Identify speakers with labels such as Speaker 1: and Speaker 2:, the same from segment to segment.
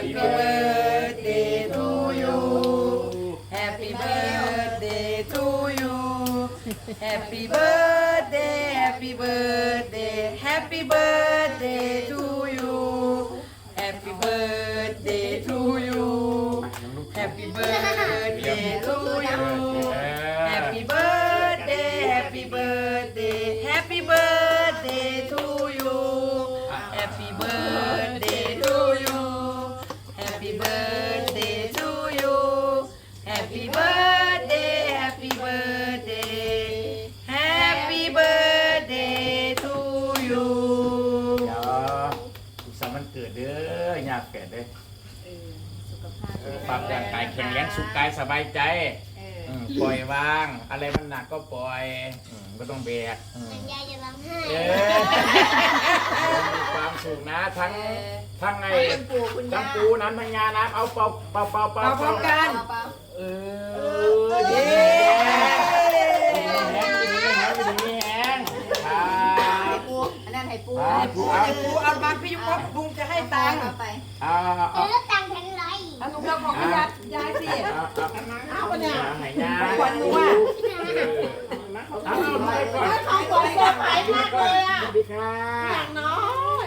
Speaker 1: Happy birthday to you Happy birthday to you Happy birthday Happy birthday Happy birthday to you Happy birthday to you Happy birthday to you Happy birthday Happy birthday Happy birthday to you Happy birthday to you Happy birthday to you Happy birthday Happy birthday Happy birthday to you
Speaker 2: สุขสันต์วันเกิดเด้อยากแก่เด้อปรับร่างกายแข็งแรงสุขกายสบายใจปล่อยวางอะไรมันหนักก็ปล่อยก็ต้องแบก
Speaker 3: ยายจะร้องไห้
Speaker 2: มีความสุขนะทั้งไงทั้งปูน้ำทั้งงาน้ำเอาเป่า
Speaker 1: พร้อมกัน
Speaker 2: เย้ดีแหง
Speaker 1: อันนั้นให้ปูเอามาพี่ยุบลุงจะให้ตังค์
Speaker 3: แล้วตังค์แทนไร
Speaker 1: เอาลุงเราของพี่ยายสิเอาไปเนี่ย
Speaker 2: ขวัญหนูอ่ะเอาไปก่อนของผมเซอร์ไพรส์มากเลยอ่ะสวัสดีค่ะอย่างน้อย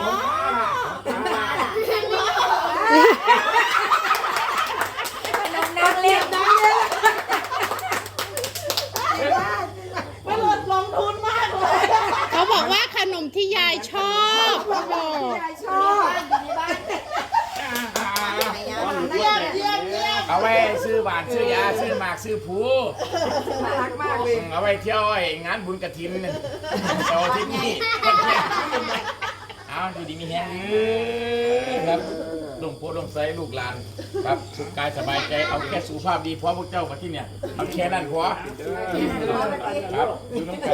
Speaker 1: นักเรียนนักเรียนมันลงทุนมากเลย
Speaker 4: เขาบอกว่าขนมที่ยายชอบเขาบอก
Speaker 1: ยายชอบเยี่ยมเยี่ยมเยี่ยม
Speaker 2: เอาไว้ซื้อหวานซื้อยาซื้อหมากซื้อผู
Speaker 1: รักมากเลย
Speaker 2: เอาไว้เที่ยวงานบุญกฐินเสาร์อาทิตย์นี้เอาดูดีมีแฮงครับลงโพลงไซลูกหลานครับสุขกายสบายใจเอาแค่สุขภาพดีพอพวกเจ้ามาที่เนี่ยเอาแค่นั้นพอครับดูน้องกัน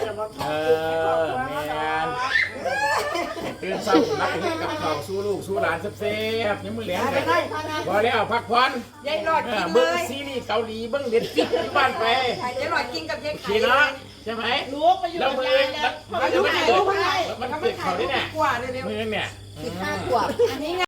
Speaker 2: แมนตื่นเช้านักกับเขาสู้ลูกสู้หลานเซฟๆยังมือแหลงเลยพอแล้วพักผ่อน
Speaker 1: ยายหลอดกินเล
Speaker 2: เบิ้ง
Speaker 1: ย
Speaker 2: ซีรีส์เกาหลีเบิ้งเด็ดจิ๊กที่บ้านไป
Speaker 1: ยายหลอดกินกับยายไข่
Speaker 2: ขี่เนาะใช่ไหมลูกไปอยู่กับยายแล้วมันจะไม่เกิดมันเกิดเขาได้เนี่ยมือเนี่ย
Speaker 1: 15 ขวบอันนี้